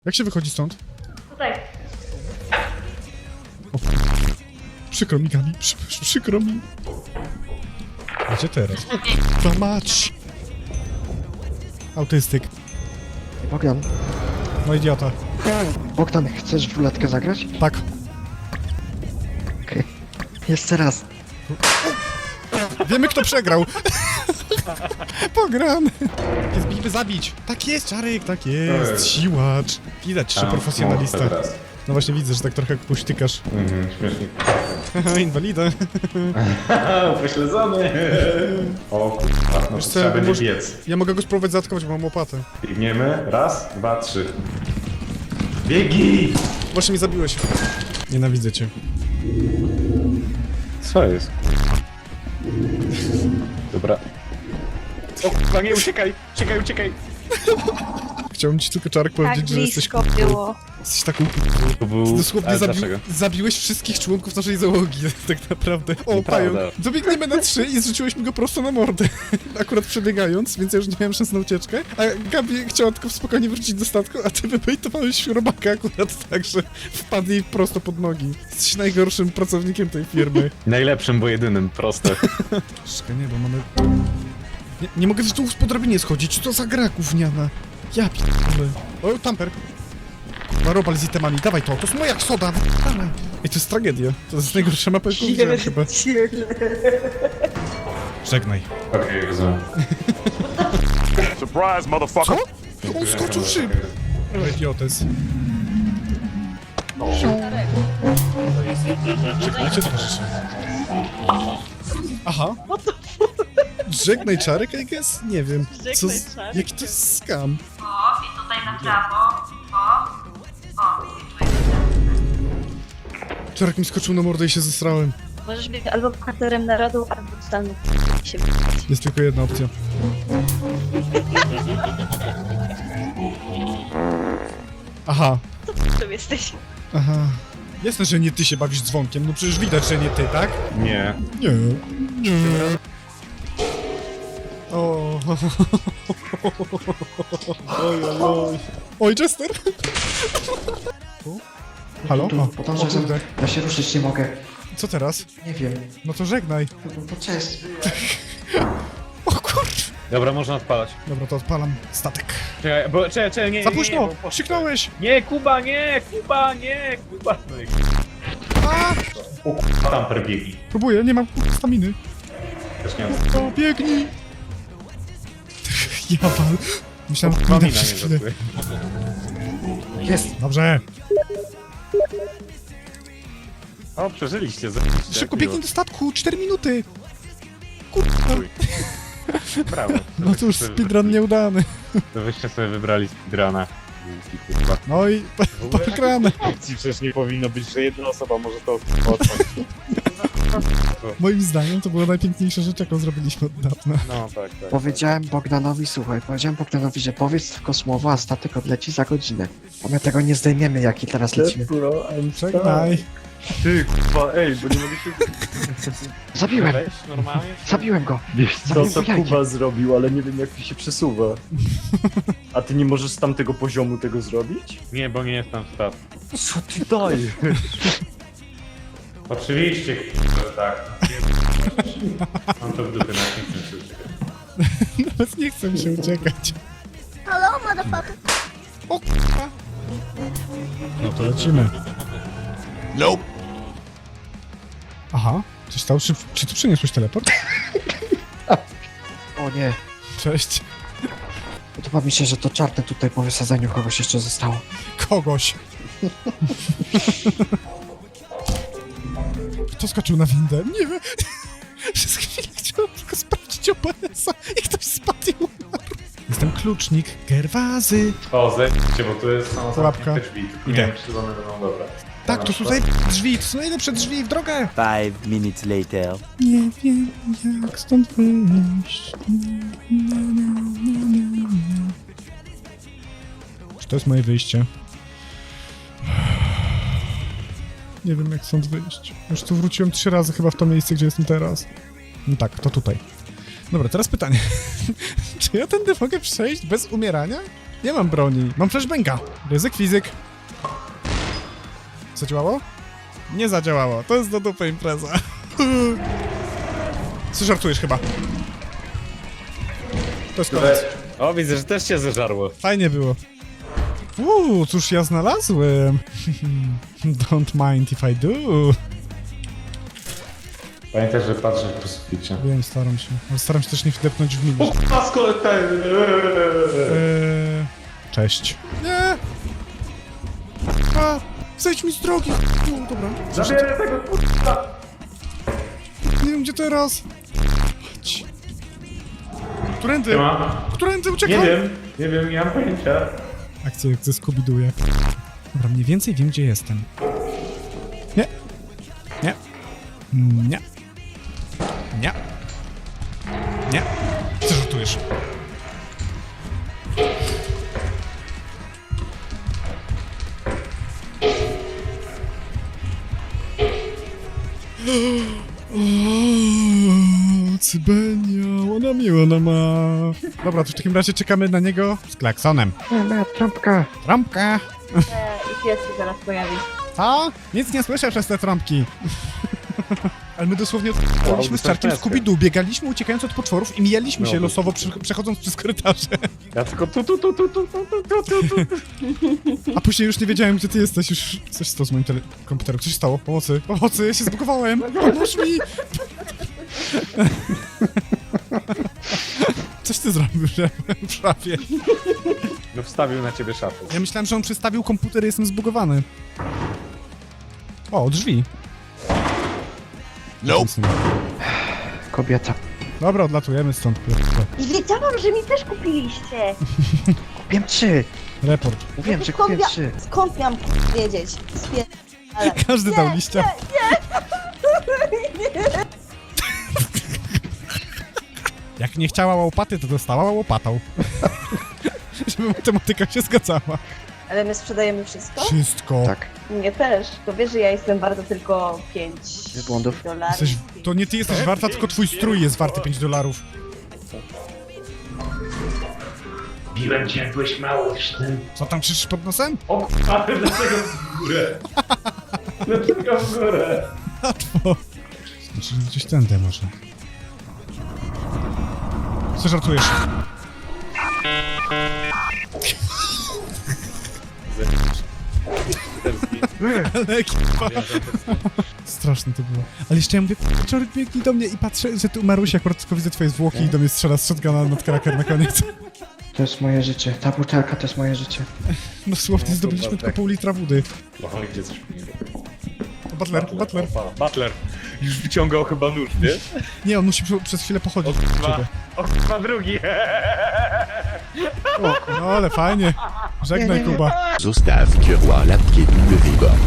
Jak się wychodzi stąd? Tutaj. O, przykro mi, Gabi, przykro mi. Gdzie teraz? To mać! Autystyk. Bogdan, No idiota. Bogdan, chcesz w ruletkę zagrać? Tak. Okej. Jeszcze raz. Wiemy, kto przegrał. Pogramy. Jest bijmy zabić. Tak jest, Czarek, tak jest. Siłacz. Widać, że profesjonalista. No właśnie widzę, że tak trochę puśtykasz. Śmiesznie. Haha, inwalida. Pośledzony. O kurwa, no to Wiesz co, trzeba będzie może- biec. Ja mogę go spróbować zaatakować, bo mam łopatę. Biegniemy. Raz, dwa, trzy. Biegi! Właśnie mnie zabiłeś. Nienawidzę cię. Co jest? Dobra. O kurwa, nie, uciekaj! Uciekaj! Chciałbym ci tylko, Czarek, Tak powiedzieć, że jesteś blisko było. Jesteś taką To był... dosłownie Ale dlaczego? zabiłeś wszystkich członków naszej załogi, tak naprawdę. O, Nieprawda. pająk. Dobiegniemy na 3 i zrzuciłeś mi go prosto na mordę. Akurat przebiegając, więc ja już nie miałem szans na ucieczkę. A Gabi chciała tylko spokojnie wrócić do statku, a ty wybejtowałeś robaka akurat tak, że wpadł jej prosto pod nogi. Jesteś najgorszym pracownikiem tej firmy. Najlepszym, bo jedynym, proste. Czekaj, nie, bo mamy... Nie mogę z tu po drabinie schodzić, co za gra gówniana. Ja p***le. O, tamper. Kurwa, robal z itemami, dawaj to jest moja soda, dawaj. Ej, to jest tragedia. To jest najgorsza mapa, jaką widziałem chyba. Żegnaj. Okej, rozumiem. Surprise, motherfucker! Co? On skoczył w szyb. Idiotes. Żegnajcie towarzysze. Aha. Żegnaj Czarek, I guess? Nie wiem. Co z... Czarek? Jaki to jest scam? O, i tutaj na prawo. O, i tu jest. Czarek mi skoczył na mordę i się zesrałem. Możesz być albo bohaterem narodu, albo totalną się Jest tylko jedna opcja. Aha, tu jesteś. aha. Jasne, że nie ty się bawisz dzwonkiem, no przecież widać, że nie ty, tak? Nie. Nie. Nie. O. Oj, oj, oj. Oj, Chester! Tu? Halo? Tu, O, podążaj o za kurde. mną. Ja się ruszyć nie mogę. Co teraz? Nie wiem. No to żegnaj. To cześć. O kurde. Dobra, można odpalać. Dobra, to odpalam statek. Czekaj, bo... Czekaj, nie, Za nie, późno! bo- Krzyknąłeś! Nie, Kuba, nie! Kuba! No i... A! O kurwa, tamper biegi. Próbuję, nie mam staminy. Też nie mam... O, biegnij! Ja wal. Myślałem, że Mamina nie nie przez chwilę. zasły. Jest. Dobrze. O, przeżyliście, zajebiście. Szybko miło. biegnij do statku, 4 minuty. Kurwa. Chuj. Brawo. No cóż, speedrun nieudany. To wyście sobie wybrali speedruna. Kurwa. No i pogramy. Opcji przecież nie powinno być, że jedna osoba może to otworzyć. Moim zdaniem to była najpiękniejsza rzecz, jaką zrobiliśmy od dawna. No tak, tak. Powiedziałem Bogdanowi, słuchaj, powiedziałem Bogdanowi, że powiedz tylko słowo, a statek odleci za godzinę. A my tego nie zdejmiemy, jaki teraz lecimy. Żegnaj. Ty, kurwa, ej, bo nie mogę się... Zabiłem! Weź normalnie. Zabiłem go! Wiesz co, Zabiłem to go jajkiem. Kuba zrobił, ale nie wiem jak się przesuwa. A ty nie możesz z tamtego poziomu tego zrobić? Nie, bo nie jestem w statku. Co ty dajesz? Oczywiście, że tak. Mam to w dupie, na nie chcę się uciekać. Nawet nie chcę mi się uciekać. Hello, motherfucker. O kurwa. No to lecimy. Nope. Aha. Coś stało? Czy ty przyniosłeś teleport? O nie. Cześć. Podoba mi się, że to czarne tutaj po wysadzeniu kogoś jeszcze zostało. Kogoś. Kto skoczył na windę? Nie wiem. Przez chwilę chciałem tylko sprawdzić OBS-a i ktoś spadł i umarł. Jestem klucznik Gerwazy. O, zejdźcie, bo tu jest są Pułapka. zamknięte drzwi. Tylko Idę. nie wiem, czy one będą dobre. Tak, to są drzwi, to są najlepsze drzwi w drogę. 5 minutes later. Nie wiem, jak stąd wyjść. Czy to jest moje wyjście? Nie wiem, jak stąd wyjść. Już tu wróciłem 3 razy chyba w to miejsce, gdzie jestem teraz. No tak, to tutaj. Dobra, teraz pytanie. Czy ja tędy mogę przejść bez umierania? Nie mam broni. Mam flashbanga. Ryzyk fizyk. Zadziałało? Nie zadziałało. To jest do dupy impreza. Co żartujesz chyba? To jest koniec. O, widzę, że też cię zeżarło. Fajnie było. Cóż ja znalazłem? Don't mind if I do. Pamiętaj, że patrzę po suficie. Wiem, staram się. Ale staram się też nie wdepnąć w minus. Cześć. Nie! A, zejdź mi z drogi! No, dobra. Zabierę tego kurwa! Nie wiem, gdzie teraz. Chodź. Którędy? Ma? Którędy? Uciekam! Nie wiem, nie mam pojęcia. Akcja jak ze Scooby-Doo. Dobra, mniej więcej wiem, gdzie jestem. Nie. Nie. Nie. Nie. Nie. Co żartujesz? O, Cybenia, ona miła, ona ma. Dobra, to w takim razie czekamy na niego z klaksonem. Nie, trąbka. Trąbka! I pies się zaraz pojawi. Co? Nic nie słyszę przez te trąbki. Ale my dosłownie odpaliśmy z czarkiem Scooby-Doo, biegaliśmy uciekając od potworów i mijaliśmy się losowo przechodząc przez korytarze. Ja tylko tu. A później już nie wiedziałem, gdzie ty jesteś, już coś stało z moim komputerem. Co się stało? Pomocy, pomocy, ja się zbugowałem! Pomóż mi! Coś ty zrobił, że byłem w szafie. No wstawił na ciebie szafę. Ja myślałem, że on przestawił komputer i jestem zbugowany. O, drzwi. Nope. Kobieta. Dobra, odlatujemy stąd. I wiedziałam, że mi też kupiliście. Kupiłem 3. Report. Mówiłem, że kupiłem 3. Skąd miałam wiedzieć? Ale... Każdy dał liścia. Jak nie chciała łopaty, to dostała łopatą. Żeby matematyka się zgadzała. Ale my sprzedajemy wszystko? Wszystko. Tak. Mnie też. To wiesz, że ja jestem warta tylko 5 Z błądów. dolarów. Jesteś, to nie ty jesteś warta, tylko twój strój jest warty $5. Biłem cię, jak byłeś mały w tym. Co tam krzyczysz pod nosem? O kurwa, dlaczego w górę? Dlaczego w górę? Łatwo. Znaczy, gdzieś tędy może. Co żartujesz? Ale ekipa. Straszne to było. Ale jeszcze ja mówię, Czorek biegnij do mnie i patrzę, że tu Marusia akurat tylko widzę twoje zwłoki i do mnie strzela z shotguna nad kraker na koniec. To jest moje życie. Ta butelka to jest moje życie. Dosłownie zdobyliśmy tylko pół litra wody. No, gdzie coś mi Butler. Butler. Już wyciągał chyba nóż, wiesz? Nie, on musi przez chwilę pochodzić. O chyba drugi. No ale fajnie. Żegnaj, Kuba. Zostaw Kierła, la pied de Vigor.